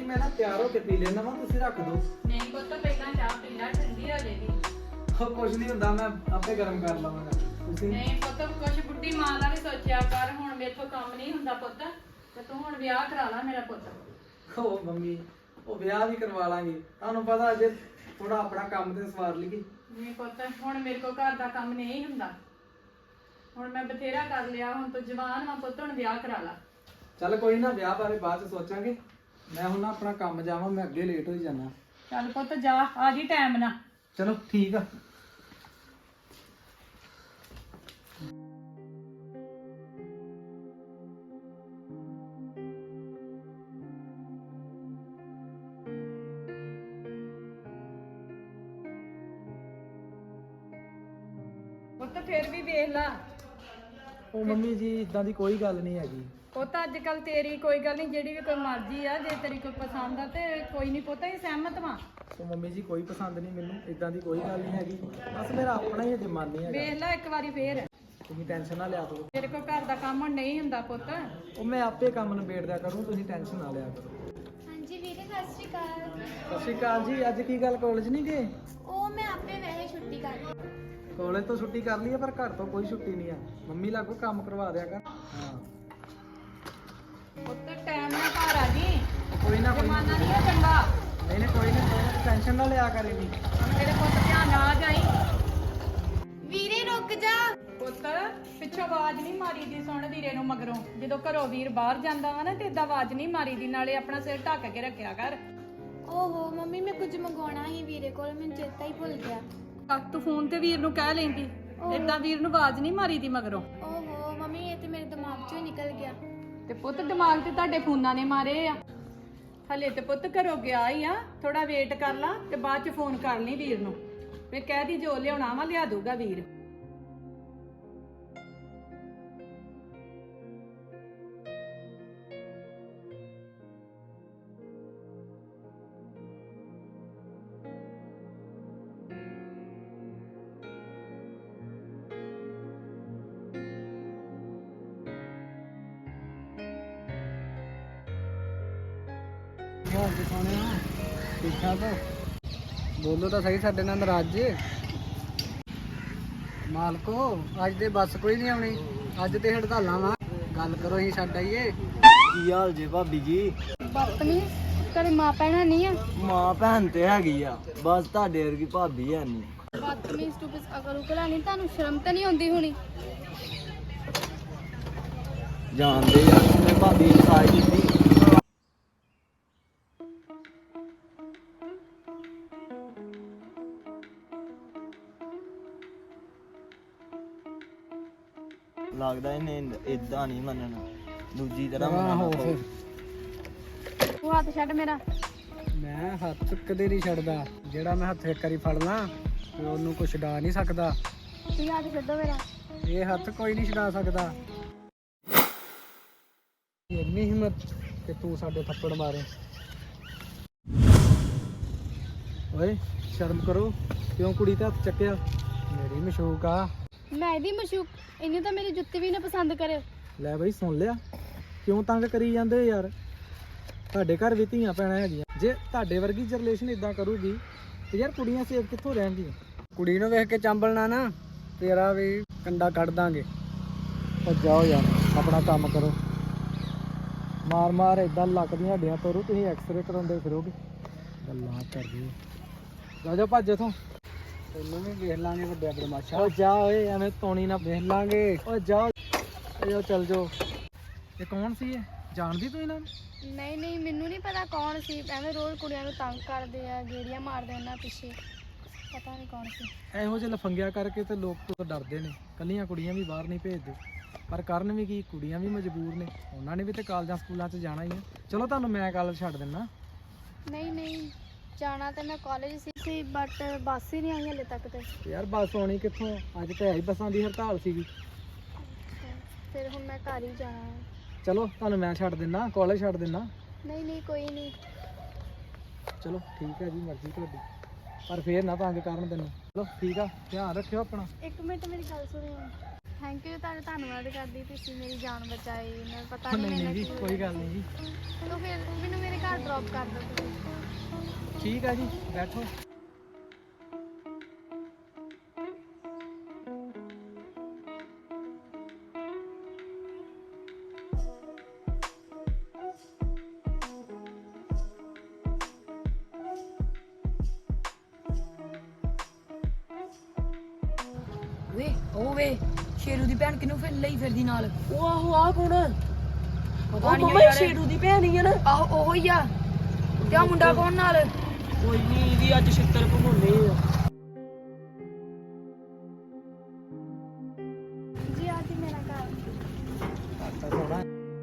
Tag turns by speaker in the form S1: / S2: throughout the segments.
S1: ਮੈਂ ਨਾ ਤਿਆਰ ਹੋ ਕੇ ਪੀ ਲੈਣਾ ਵਾ, ਤੁਸੀਂ ਰੱਖ ਦਿਓ।
S2: ਨਹੀਂ ਪੁੱਤ ਪਹਿਲਾਂ ਚਾਹ ਪੀ ਲੈ, ਠੰਡੀ ਹੋ ਜਾਏਗੀ।
S1: ਉਹ ਕੁਝ ਨਹੀਂ ਹੁੰਦਾ, ਮੈਂ ਆਪੇ ਗਰਮ ਕਰ ਲਵਾਂਗਾ। ਤੁਸੀਂ
S2: ਨਹੀਂ ਪੁੱਤ ਕੁਛ ਬੁੱਢੀ ਮਾਂ ਦਾ ਵੀ ਸੋਚਿਆ ਕਰ, ਹੁਣ ਮੇਥੋਂ ਕੰਮ ਨਹੀਂ ਹੁੰਦਾ ਪੁੱਤ, ਤੇ ਤੂੰ ਹੁਣ ਵਿਆਹ ਕਰਾ ਲਾ ਮੇਰਾ ਪੁੱਤ।
S1: ਉਹ ਮੰਮੀ, ਉਹ ਵਿਆਹ ਵੀ ਕਰਵਾ ਲਾਂਗੇ, ਤੁਹਾਨੂੰ ਪਤਾ ਅਜੇ ਥੋੜਾ ਆਪਣਾ ਕੰਮ ਤੇ ਸਵਾਰ ਲਈਏ।
S2: ਨਹੀਂ ਪੁੱਤ ਹੁਣ ਮੇਰੇ ਕੋਲ ਘਰ ਦਾ ਕੰਮ ਨਹੀਂ ਹੁੰਦਾ, ਹੁਣ ਮੈਂ ਬਥੇਰਾ ਕਰ ਲਿਆ, ਹੁਣ ਤੂੰ ਜਵਾਨ ਵਾ ਪੁੱਤ, ਹੁਣ ਵਿਆਹ ਕਰਾ ਲਾ।
S1: ਚੱਲ ਕੋਈ ਨਾ, ਵਿਆਹ ਬਾਰੇ ਬਾਅਦ ਚ ਸੋਚਾਂਗੇ। ਮੈਂ ਹੁਣ ਨਾ ਆਪਣਾ ਕੰਮ ਜਾਵਾਂ, ਮੈਂ ਅੱਗੇ ਲੇਟ ਹੋਈ ਜਾਣਾ।
S2: ਚੱਲ ਪੁੱਤ ਜਾ, ਆ ਜੀ ਟਾਈਮ ਨਾਲ।
S1: ਚਲੋ ਠੀਕ ਆ।
S2: ਪੁੱਤ ਫੇਰ ਵੀ ਵੇਖ ਲਾ,
S1: ਉਹ ਮੰਮੀ ਜੀ ਇਦਾਂ ਦੀ ਕੋਈ ਗੱਲ ਨਹੀਂ ਹੈਗੀ।
S2: ਪੁੱਤ ਅੱਜ ਕੱਲ ਤੇਰੀ ਕੋਈ ਗੱਲ ਨਹੀਂ, ਜਿਹੜੀ ਵੀ ਕੋਈ ਮਰਜ਼ੀ ਆ, ਜੇ ਤੇਰੀ ਕੋਈ ਪਸੰਦ ਆ ਤੇ ਕੋਈ ਨਹੀਂ ਪੁੱਤ, ਅਸੀਂ ਸਹਿਮਤ ਵਾਂ।
S1: ਉਹ ਮੰਮੀ ਜੀ ਕੋਈ ਪਸੰਦ ਨਹੀਂ ਮੈਨੂੰ, ਇਦਾਂ ਦੀ ਕੋਈ ਗੱਲ ਨਹੀਂ ਹੈਗੀ, ਬਸ ਮੇਰਾ ਆਪਣਾ ਹੀ ਅਜੇ ਮਨ ਨਹੀਂ ਹੈਗਾ।
S2: ਵੇਖ ਲੈ ਇੱਕ ਵਾਰੀ ਫੇਰ,
S1: ਤੁਸੀਂ ਟੈਨਸ਼ਨ ਨਾ ਲਿਆ ਕਰੋ।
S2: ਤੇਰੇ ਕੋਲ ਘਰ ਦਾ ਕੰਮ ਹੁਣ ਨਹੀਂ ਹੁੰਦਾ ਪੁੱਤ।
S1: ਉਹ ਮੈਂ ਆਪੇ ਕੰਮ ਨਿਬੇੜ ਦਿਆ ਕਰੂੰ, ਤੁਸੀਂ ਟੈਨਸ਼ਨ ਨਾ ਲਿਆ ਕਰੋ।
S3: ਹਾਂਜੀ ਵੀਰੇ ਸਤਿ ਸ਼੍ਰੀ ਅਕਾਲ।
S1: ਸਤਿ ਸ਼੍ਰੀ ਅਕਾਲ ਜੀ। ਅੱਜ ਕੀ ਗੱਲ ਕਾਲਜ ਨਹੀਂ ਗਏ?
S3: ਉਹ ਮੈਂ ਆਪੇ ਵੈਸੇ ਛੁੱਟੀ ਕਰ ਲਈ।
S1: ਕਾਲਜ ਤੋਂ ਛੁੱਟੀ ਕਰ ਲਈ ਹੈ, ਪਰ ਘਰ ਤੋਂ ਕੋਈ ਛੁੱਟੀ ਨਹੀਂ ਆ। ਮੰਮੀ ਲਾਗੋ ਕੰਮ ਕਰਵਾ ਦਿਆ ਕਰ। ਹਾਂ
S2: ਪੁੱਤ ਟਾਈਮ ਨਾਲ ਘਰ ਆ ਜੀ,
S1: ਕੋਈ ਨਾ, ਕੋਈ ਨਾ।
S2: ਜਮਾਨਾ ਨਹੀਂ ਹੈ ਚੰਗਾ।
S1: ਨਹੀਂ ਨਹੀਂ ਕੋਈ ਨਹੀਂ, ਟੈਨਸ਼ਨ ਨਾ ਲਿਆ ਕਰੇਗੀ।
S2: ਹੁਣ ਮੇਰੇ ਪੁੱਤ ਧਿਆਨ ਨਾਲ ਆ ਜਾਈ।
S3: ਵੀਰੇ ਰੁਕ ਜਾ।
S2: ਪੁੱਤ ਪਿੱਛੋਂ ਆਵਾਜ਼ ਨਹੀਂ ਮਾਰੀ ਦੀ, ਸੁਣ ਵੀਰੇ ਨੂੰ ਮਗਰੋਂ, ਜਦੋਂ ਘਰੋਂ ਵੀਰ ਬਾਹਰ ਜਾਂਦਾ ਵਾ ਨਾ ਤੇ ਏਦਾਂ ਆਵਾਜ਼ ਨਹੀਂ ਮਾਰੀ ਦੀ, ਨਾਲੇ ਆਪਣਾ ਸਿਰ ਢੱਕ ਕੇ ਰੱਖਿਆ ਕਰ।
S3: ਓਹੋ ਮੰਮੀ, ਮੈਂ ਕੁਝ ਮੰਗਵਾਉਣਾ ਸੀ ਵੀਰੇ ਕੋਲ, ਮੈਨੂੰ ਚੇਤਾ ਹੀ ਭੁੱਲ ਗਿਆ।
S2: ਤੂੰ ਫੋਨ ਤੇ ਵੀਰ ਨੂੰ ਕਹਿ ਲੈਂਦੀ, ਏਦਾਂ ਵੀਰ ਨੂੰ ਆਵਾਜ਼ ਨਹੀਂ ਮਾਰੀ ਦੀ ਮਗਰੋਂ।
S3: ਓਹੋ ਮੰਮੀ, ਇਹ ਤੇ ਮੇਰੇ ਦਿਮਾਗ ਚੋਂ ਹੀ ਨਿਕਲ ਗਿਆ।
S2: ਤੇ ਪੁੱਤ ਦਿਮਾਗ ਤੇ ਤੁਹਾਡੇ ਫੋਨਾਂ ਨੇ ਮਾਰੇ ਆ। ਹਲੇ ਤੇ ਪੁੱਤ ਘਰੋਂ ਗਿਆ ਹੀ ਆ, ਥੋੜਾ ਵੇਟ ਕਰ ਲਾ ਤੇ ਬਾਅਦ ਚ ਫੋਨ ਕਰ ਲਈ ਵੀਰ ਨੂੰ, ਮੈਂ ਕਹਿ ਦੀ ਜੋ ਲਿਆਉਣਾ ਵਾ ਲਿਆ ਦੂਗਾ ਵੀਰ।
S1: ਹੋਰ ਜੀ ਸੋਹਣਿਆ, ਠੀਕ ਠਾਕ ਹੋ? ਬੋਲੋ ਤਾਂ ਸਹੀ, ਸਾਡੇ ਨਾਲ ਨਾਰਾਜ਼ ਜੇ? ਮਾਲਕੋ ਅੱਜ ਦੇ ਬੱਸ ਕੋਈ ਨਹੀਂ ਆਉਣੀ, ਅੱਜ ਤੇ ਹੜਤਾਲਾਂ ਵਾ। ਗੱਲ ਕਰੋ, ਅਸੀਂ ਛੱਡ ਆਈਏ।
S4: ਕੀ ਹਾਲ ਜੇ ਭਾਬੀ ਜੀ?
S3: ਬਾਪਨੀ ਤੇਰੇ ਮਾਂ ਭੈਣਾਂ ਨਹੀਂ ਆ?
S4: ਮਾਂ ਭੈਣ ਤੇ ਹੈਗੀ ਆ, ਬਸ ਤੁਹਾਡੇ ਵਰਗੀ ਭਾਬੀ ਹੈ ਨਹੀਂ।
S3: ਬਾਪਨੀ ਸਟੂਪਿਸ ਅਕਲ ਉਕਲ ਨਹੀਂ, ਤੁਹਾਨੂੰ ਸ਼ਰਮ ਤਾਂ ਨਹੀਂ ਆਉਂਦੀ ਹੋਣੀ?
S4: ਜਾਣਦੇ ਆ ਮੈਂ ਭਾਬੀ ਨੂੰ ਸਾਈ ਦਿੱਤੀ। ਲੱਗਦਾ ਇਹਨੇ ਇਦਾਂ ਨਹੀਂ ਮੰਨਣਾ, ਦੂਜੀ ਤਰ੍ਹਾਂ ਮੰਨਣਾ ਪਊ।
S3: ਤੂੰ ਹੱਥ ਛੱਡ ਮੇਰਾ।
S1: ਮੈਂ ਹੱਥ ਕਦੇ ਨਹੀਂ ਛੱਡਦਾ, ਜਿਹੜਾ ਮੈਂ ਹੱਥ ਇੱਕ ਵਾਰੀ ਫੜ ਲਾਂ ਤੇ ਉਹਨੂੰ ਕੁਛ ਛਡਾ ਨਹੀਂ ਸਕਦਾ।
S3: ਤੁਸੀਂ ਹੱਥ ਛੱਡੋ ਮੇਰਾ।
S1: ਇਹ ਹੱਥ ਕੋਈ ਨਹੀਂ ਛਡਾ ਸਕਦਾ। ਇੰਨੀ ਹਿੰਮਤ ਕਿ ਤੂੰ ਸਾਡੇ ਥੱਪੜ ਮਾਰੇ। ਓਏ ਸ਼ਰਮ ਕਰੋ, ਕਿਉਂ ਕੁੜੀ ਤੇ ਹੱਥ ਚੱਕਿਆ? ਮੇਰੀ ਮਸ਼ੂਕ ਆ।
S3: ਮੈਂ ਇਹਦੀ ਮਸ਼ੂਕ, ਇਹਨੇ ਤਾਂ ਮੇਰੀ ਜੁੱਤੀ ਵੀ ਨਾ ਪਸੰਦ ਕਰੇ।
S1: ਲੈ ਬਈ ਸੁਣ ਲਿਆ, ਕਿਉਂ ਤੰਗ ਕਰੀ ਜਾਂਦੇ ਹੋ ਯਾਰ? ਤੁਹਾਡੇ ਘਰ ਵੀ ਧੀਆਂ ਭੈਣਾਂ ਹੈਗੀਆਂ, ਜੇ ਤੁਹਾਡੇ ਵਰਗੀ ਜਨਰੇਸ਼ਨ ਇਦਾਂ ਕਰੂਗੀ ਤੇ ਯਾਰ ਕੁੜੀਆਂ ਸੇਫ ਕਿੱਥੋਂ ਰਹਿਣਗੀਆਂ? ਕੁੜੀ ਨੂੰ ਵੇਖ ਕੇ ਚੰਬਲਣਾ ਨਾ, ਤੇਰਾ ਵੀ ਕੰਡਾ ਕੱਢ ਦਾਂਗੇ। ਉਹ ਜਾਓ ਯਾਰ, ਆਪਣਾ ਕੰਮ ਕਰੋ। ਮਾਰ ਮਾਰ ਇਦਾਂ ਲੱਕ ਦੀਆਂ ਹੱਡੀਆਂ ਤੋੜੂ, ਤੁਸੀਂ ਐਕਸਰੇ ਕਰਾਉਂਦੇ ਫਿਰੋਗੇ। ਗੱਲਾਂ ਕਰਦੇ ਜਾ ਜਾ, ਭੱਜ ਇਥੋਂ, ਤੈਨੂੰ ਵੀ ਵੇਖ ਲਾਂਗੇ ਵੱਡਿਆ ਬਦਮਾਸ਼ਾ। ਉਹ ਜਾ ਓਏ, ਐਵੇਂ ਤੋਣੀ ਨਾ ਵੇਖ ਲਾਂਗੇ। ਓ ਜਾ, ਓ ਚੱਲ ਜਾਓ। ਇਹ ਕੌਣ ਸੀ? ਇਹ ਜਾਣਦੀ ਤੂੰ ਇਹਨਾਂ ਨੂੰ?
S3: ਨਹੀਂ ਨਹੀਂ, ਮੈਨੂੰ ਨਹੀਂ ਪਤਾ ਕੌਣ ਸੀ, ਐਵੇਂ ਰੋਜ਼ ਕੁੜੀਆਂ ਨੂੰ ਤੰਗ ਕਰਦੇ ਆ, ਗੇੜੀਆਂ ਮਾਰਦੇ ਉਹਨਾਂ ਪਿੱਛੇ, ਪਤਾ ਨਹੀਂ ਕੌਣ ਸੀ।
S1: ਇਹੋ ਜਿਹੇ ਲਫੰਗਿਆ ਕਰਕੇ ਤੇ ਲੋਕ ਤੋਂ ਡਰਦੇ ਨੇ, ਕੱਲੀਆਂ ਕੁੜੀਆਂ ਵੀ ਬਾਹਰ ਨਹੀਂ ਭੇਜਦੇ। ਪਰ ਕਰਨ ਵੀ ਕੀ, ਕੁੜੀਆਂ ਵੀ ਮਜਬੂਰ ਨੇ, ਉਹਨਾਂ ਨੇ ਵੀ ਤੇ ਕਾਲਜਾਂ ਸਕੂਲਾਂ 'ਚ ਜਾਣਾ ਹੀ ਆ। ਚਲੋ ਤੁਹਾਨੂੰ ਮੈਂ ਕਾਲਜ ਛੱਡ ਦਿੰਦਾ।
S3: ਨਹੀਂ ਨਹੀਂ, ਜਾਣਾ ਤਾਂ ਮੈਂ ਕਾਲਜ ਸੀ ਬਟ ਬੱਸ ਹੀ ਨਹੀਂ ਆਈ ਹਲੇ ਤੱਕ ਤੇ।
S1: ਯਾਰ ਬੱਸ ਆਉਣੀ ਕਿੱਥੋਂ, ਅੱਜ ਤੇ ਆਈ ਬੱਸਾਂ ਦੀ ਹੜਤਾਲ ਸੀਗੀ।
S3: ਫਿਰ ਹੁਣ ਮੈਂ ਘਰ ਹੀ ਜਾਣਾ ਹੈ।
S1: ਚਲੋ ਤੁਹਾਨੂੰ ਮੈਂ ਛੱਡ ਦਿੰਦਾ, ਕਾਲਜ ਛੱਡ ਦਿੰਦਾ।
S3: ਨਹੀਂ ਨਹੀਂ ਕੋਈ ਨਹੀਂ।
S1: ਚਲੋ ਠੀਕ ਹੈ ਜੀ, ਮਰਜ਼ੀ ਤੁਹਾਡੀ, ਪਰ ਫੇਰ ਨਾ ਤੰਗ ਕਰਨ ਤੈਨੂੰ। ਚਲੋ ਠੀਕ ਆ, ਧਿਆਨ ਰੱਖਿਓ ਆਪਣਾ।
S3: ਇੱਕ ਮਿੰਟ ਮੇਰੀ ਗੱਲ ਸੁਣਿਓ। ਥੈਂਕ ਯੂ, ਤੁਹਾਡਾ ਧੰਨਵਾਦ ਕਰਦੀ, ਤੁਸੀਂ ਮੇਰੀ ਜਾਨ ਬਚਾਈ। ਮੈਨੂੰ ਪਤਾ
S1: ਨਹੀਂ
S3: ਨਹੀਂ
S1: ਨਹੀਂ ਜੀ, ਕੋਈ ਗੱਲ ਨਹੀਂ ਜੀ।
S3: ਤੋ ਫਿਰ ਮੈਨੂੰ ਮੇਰੇ ਘਰ ਡ੍ਰੌਪ ਕਰ ਦਿਓ ਤੁਸੀਂ।
S1: ਠੀਕ ਆ ਜੀ, ਬੈਠੋ।
S5: ਵੇ ਉਹ ਵੇ ਸ਼ੇਰੂ ਦੀ ਭੈਣ ਕਿਨੂੰ ਫਿਰ ਲਈ ਫਿਰਦੀ ਨਾਲ?
S6: ਉਹ ਆਹੋ ਆ ਕੌਣ ਆ?
S5: ਪਤਾ
S6: ਉਹ
S5: ਨਹੀਂ
S6: ਮੰਮਾ
S5: ਯਾਰ।
S6: ਸ਼ੇਰੂ ਦੀ ਭੈਣ ਹੀ ਆ ਨਾ।
S5: ਆਹੋ ਉਹੋ ਹੀ ਆ। ਤੇ ਆਹ ਮੁੰਡਾ ਕੌਣ ਨਾਲ?
S6: ਕੋਈ ਨਹੀਂ, ਇਹਦੀ ਅੱਜ ਛਿੱਤਰ ਭਗਾਉਣੇ ਆ।
S3: ਜੀ ਆ ਜੀ ਮੇਰਾ ਘਰ।
S1: ਅੱਛਾ ਥੋੜਾ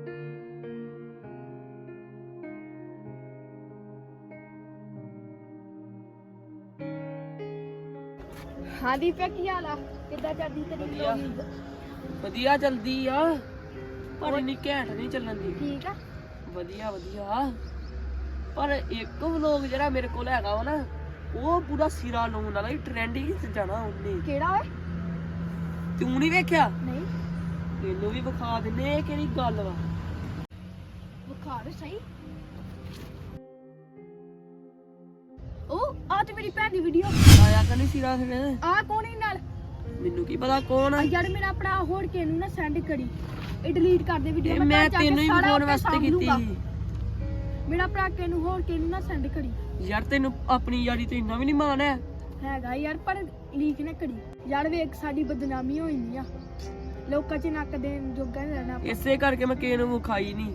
S3: ਹਾਂ ਦੀਪਿਆ, ਕੀ ਹਾਲ ਆ? ਕਿੱਦਾਂ ਚੱਲਦੀ ਤੇਰੀ
S6: ਵਧੀਆ।
S3: vlogging?
S6: ਵਧੀਆ ਜਲਦੀ ਆ, ਪਰ ਇੰਨੀ ਘੈਂਟ ਨਹੀਂ ਚੱਲਣ ਦੀ।
S3: ਠੀਕ ਆ।
S6: ਵਧੀਆ ਵਧੀਆ, ਪਰ ਇੱਕ ਵਲੋਗ ਜਿਹੜਾ ਮੇਰੇ ਕੋਲ ਹੈਗਾ ਵਾ ਨਾ, ਉਹ ਪੂਰਾ ਸਿਰਾ ਲਾਉਣ ਵਾਲਾ ਹੀ, ਟ੍ਰੈਂਡਿੰਗ ਚ ਜਾਣਾ ਉਹਨੇ।
S3: ਕਿਹੜਾ ਓਏ?
S6: ਤੂੰ ਨਹੀਂ ਵੇਖਿਆ?
S3: ਨਹੀਂ
S6: ਤੈਨੂੰ ਵੀ ਵਿਖਾ ਦਿੰਨੇ, ਇਹ ਕਿਹੜੀ ਗੱਲ ਵਾ।
S3: ਬੁਖਾਰ ਸਹੀ। ਉਹ ਆ ਤੇ ਮੇਰੀ ਭੈਣ ਦੀ ਵੀਡੀਓ।
S6: ਆਇਆ ਤਾਂ ਨਹੀਂ ਸਿਰਾ ਫਿਰ?
S3: ਆ ਕੌਣ ਹੀ ਨਾਲ?
S6: ਮੈਨੂੰ ਕੀ ਪਤਾ ਕੌਣ ਆ।
S3: ਆ ਯਾਰ ਮੇਰਾ ਭਰਾ ਹੋੜ ਕੇ ਇਹਨੂੰ ਨਾ ਸੈਂਡ ਕਰੀ, ਇਹ ਡਿਲੀਟ ਕਰ ਦੇ ਵੀਡੀਓ।
S6: ਇਹ ਮੈਂ ਤੈਨੂੰ ਹੀ ਵਿਖਾਉਣ ਵਾਸਤੇ ਕੀਤੀ ਸੀ।
S3: ਮੇਰਾ ਭਰਾ ਕੇ ਨੂੰ ਹੋੜ ਕੇ ਇਹਨੂੰ ਨਾ ਸੈਂਡ ਕਰੀ।
S6: ਯਾਰ ਤੈਨੂੰ ਆਪਣੀ ਯਾਰੀ ਤੇ ਇੰਨਾ ਵੀ ਨਹੀਂ ਮਾਣ ਹੈ।
S3: ਹੈਗਾ ਯਾਰ, ਪਰ ਲੀਕ ਨਾ ਕਰੀ ਯਾਰ। ਵੇਖ ਸਾਡੀ ਬਦਨਾਮੀ ਹੋਈ ਨਹੀਂ ਆ, ਲੋਕਾਂ 'ਚ ਨੱਕ ਦੇਣ ਜੋਗਾ ਨਹੀਂ ਰਹਿਣਾ ਆਪਾਂ।
S6: ਇਸੇ ਕਰਕੇ ਮੈਂ ਕਿਸੇ ਨੂੰ ਵਿਖਾਈ ਨਹੀਂ।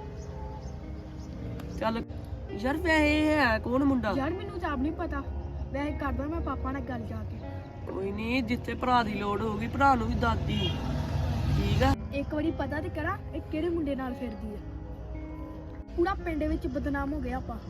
S6: ਚੱਲ ਯਾਰ, ਵੈਸੇ ਹੈ ਕੌਣ ਮੁੰਡਾ?
S3: ਯਾਰ ਮੈਨੂੰ ਤਾਂ ਆਪ ਨਹੀਂ ਪਤਾ, ਵੈਸੇ ਕਰਦਾ ਮੈਂ ਪਾਪਾ ਨਾਲ ਗੱਲ ਜਾ ਕੇ।
S6: ਕੋਈ ਨਹੀਂ, ਜਿੱਥੇ ਭਰਾ ਦੀ ਲੋੜ ਹੋਊਗੀ ਭਰਾ ਨੂੰ ਵੀ ਦੱਸਦੀ। ਠੀਕ ਆ।
S3: ਇੱਕ ਵਾਰੀ ਪਤਾ ਤੇ ਕਰਾਂ ਇਹ ਕਿਹੜੇ ਮੁੰਡੇ ਨਾਲ ਫਿਰਦੀ ਆ। ਪੂਰਾ ਪਿੰਡ ਵਿੱਚ ਬਦਨਾਮ ਹੋ ਗਿਆ ਆਪਾਂ।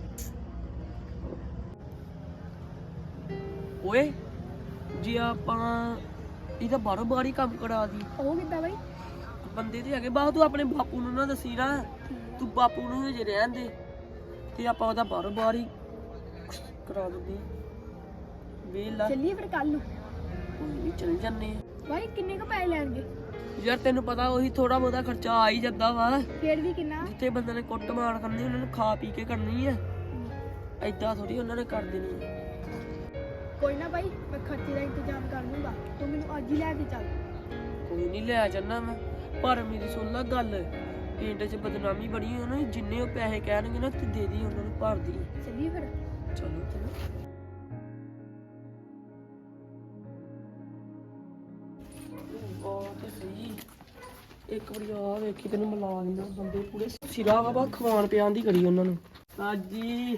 S6: ਓਏ ਜੇ ਆਪਾਂ ਇਹਦਾ ਬਾਰੋਂ ਬਾਰ ਹੀ ਕੰਮ ਕਰਾ ਦੀ।
S3: ਉਹ ਕਿੱਦਾਂ ਬਈ?
S6: ਬੰਦੇ ਤੇ ਹੈਗੇ ਬਾਹਰ, ਤੂੰ ਆਪਣੇ ਬਾਪੂ ਨੂੰ ਨਾ ਦੱਸੀ ਨਾ, ਤੂੰ ਬਾਪੂ ਨੂੰ ਹਜੇ ਰਹਿਣ ਦੇ, ਤੇ ਆਪਾਂ ਉਹਦਾ ਬਾਰੋਂ ਬਾਰ ਹੀ ਕਰਾ ਦਿੰਦੇ। ਵੇਲਾ
S3: ਚੱਲੀਏ ਫਿਰ ਕੱਲ ਨੂੰ।
S6: ਕੋਈ ਨਹੀਂ, ਚੱਲ ਜੰਨੇ ਆ।
S3: ਬਾਈ ਕਿੰਨੇ ਕੁ ਪੈਸੇ ਲੈਣਗੇ?
S6: ਯਾਰ ਤੈਨੂੰ ਪਤਾ ਉਹੀ ਥੋੜਾ ਬਹੁਤਾ ਖਰਚਾ ਆ ਹੀ ਜਾਂਦਾ ਵਾ।
S3: ਫੇਰ ਵੀ ਕਿੰਨਾ?
S6: ਜਿੱਥੇ ਬੰਦੇ ਨੇ ਕੁੱਟ ਮਾਰ ਕਰਨੀ, ਉਹਨਾਂ ਨੂੰ ਖਾ ਪੀ ਕੇ ਕਰਨੀ ਆ। ਏਦਾਂ ਥੋੜੀ ਉਹਨਾਂ ਨੇ ਕਰ ਦੇਣੀ ਆ।
S3: ਕੋਈ ਨਾ ਬਾਈ, ਮੈਂ ਖਰਚੇ ਦਾ ਇੰਤਜ਼ਾਮ ਕਰ ਲੂੰਗਾ, ਤੂੰ ਮੈਨੂੰ ਅੱਜ ਹੀ ਲੈ ਕੇ ਚੱਲ।
S6: ਕੋਈ ਨਹੀਂ, ਲੈ ਜਾਣਾ ਮੈਂ। ਪਰ ਮੇਰੀ ਸੁਣ ਲੈ ਗੱਲ, ਪਿੰਡ 'ਚ ਬਦਨਾਮੀ ਬੜੀ ਹੋਈ ਨਾ, ਜਿੰਨੇ ਉਹ ਪੈਸੇ ਕਹਿਣਗੇ ਨਾ ਤੇ ਦੇ ਦੀ, ਉਹਨਾਂ ਨੂੰ ਭਰ ਦੀ।
S3: ਚੱਲੀਏ ਫਿਰ।
S6: ਚਲੋ ਚਲੋ। ਉਹ ਤੇ ਸਹੀ, ਇੱਕ ਵਾਰੀ ਆ ਵੇਖੀ ਤੈਨੂੰ ਮਿਲਾ ਦਿੰਦਾ। ਬੰਦੇ ਪੂਰੇ ਸਿਰਾ ਵਾ, ਖਵਾਣ ਪਿਆਣ ਦੀ ਕਰੀ ਉਹਨਾਂ ਨੂੰ। ਸਾਜੀ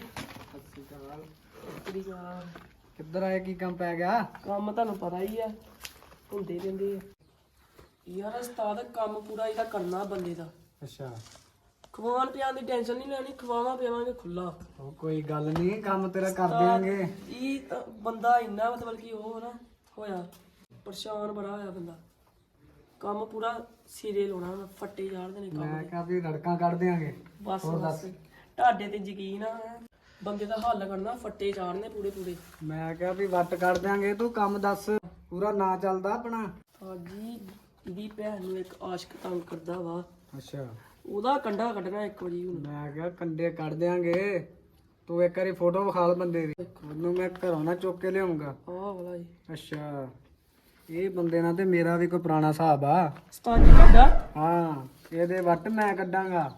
S1: ਕਿੱਧਰ ਆਏ? ਕੀ ਕੰਮ ਪੈ ਗਿਆ?
S6: ਕੰਮ ਤੁਹਾਨੂੰ ਪਤਾ ਹੀ ਆ, ਹੁੰਦੇ ਰਹਿੰਦੇ ਆ। ਯਾਰ ਉਸਤਾਦ, ਕੰਮ ਪੂਰਾ ਇਹਦਾ ਕਰਨਾ ਬੰਦੇ ਦਾ।
S1: ਅੱਛਾ,
S6: ਖਵਾਣ ਪਿਆਣ ਦੀ ਟੈਨਸ਼ਨ ਨਹੀਂ ਲੈਣੀ, ਖਵਾਵਾਂ ਪਿਆਵਾਂਗੇ ਖੁੱਲਾ।
S1: ਉਹ ਕੋਈ ਗੱਲ ਨਹੀਂ, ਕੰਮ ਤੇਰਾ ਕਰ ਦਿਆਂਗੇ।
S6: ਇਹ ਤਾਂ ਬੰਦਾ ਇੰਨਾ ਮਤਲਬ ਕਿ ਉਹ ਨਾ ਹੋਇਆ, ਪਰੇਸ਼ਾਨ ਬੜਾ ਹੋਇਆ ਬੰਦਾ। ਕੰਮ ਪੂਰਾ ਸਿਰੇ ਲਾਉਣਾ, ਮੈਂ ਫੱਟੇ ਚਾੜਦੇ ਨੇ ਕੰਮ
S1: ਮੈਂ
S6: ਦੇ।
S1: ਕਿਹਾ ਵੀ ਰੜਕਾਂ ਕੱਢ ਦਿਆਂਗੇ।
S6: ਬਸ
S1: ਹੋਰ
S6: ਬਸ,
S1: ਦੱਸ।
S6: ਤੁਹਾਡੇ ਤੇ ਯਕੀਨ ਆ, ਬੰਦੇ ਦਾ ਹੱਲ ਕਰਨਾ, ਫੱਟੇ ਚਾੜਨੇ ਪੂਰੇ ਪੂਰੇ।
S1: ਮੈਂ ਕਿਹਾ ਵੀ ਵੱਟ ਕੱਢ ਦਿਆਂਗੇ, ਤੂੰ ਕੰਮ ਦੱਸ। ਪੂਰਾ ਨਾਂ ਚੱਲਦਾ ਆਪਣਾ?
S6: ਸਾਜੀ ਇਹਦੀ ਭੈਣ ਨੂੰ ਇੱਕ ਆਸ਼ਕ ਤੰਗ ਕਰਦਾ ਵਾ,
S1: ਅੱਛਾ,
S6: ਉਹਦਾ ਕੰਡਾ ਕੱਢਣਾ ਇੱਕ ਵਾਰੀ ਹੁਣ।
S1: ਮੈਂ ਕਿਹਾ ਕੰਡੇ ਕੱਢ ਦਿਆਂਗੇ। ਤੂੰ ਇੱਕ ਵਾਰੀ ਫੋਟੋ ਵਿਖਾ ਬੰਦੇ ਦੀ, ਉਹਨੂੰ ਮੈਂ ਘਰੋਂ ਨਾ ਚੁੱਕ ਕੇ ਲਿਆਉਂਗਾ।
S6: ਆਹ ਵਾਲਾ ਜੀ
S1: ਅੱਛਾ, ਇਹ ਬੰਦੇ ਨਾਲ ਤੇ ਮੇਰਾ ਵੀ ਕੋਈ ਪੁਰਾਣਾ ਹਿਸਾਬ ਆ।
S6: ਸਤਾਜੀ ਕੱਢਾ।
S1: ਹਾਂ, ਇਹਦੇ ਵੱਟ ਮੈਂ ਕੱਢਾਂਗਾ।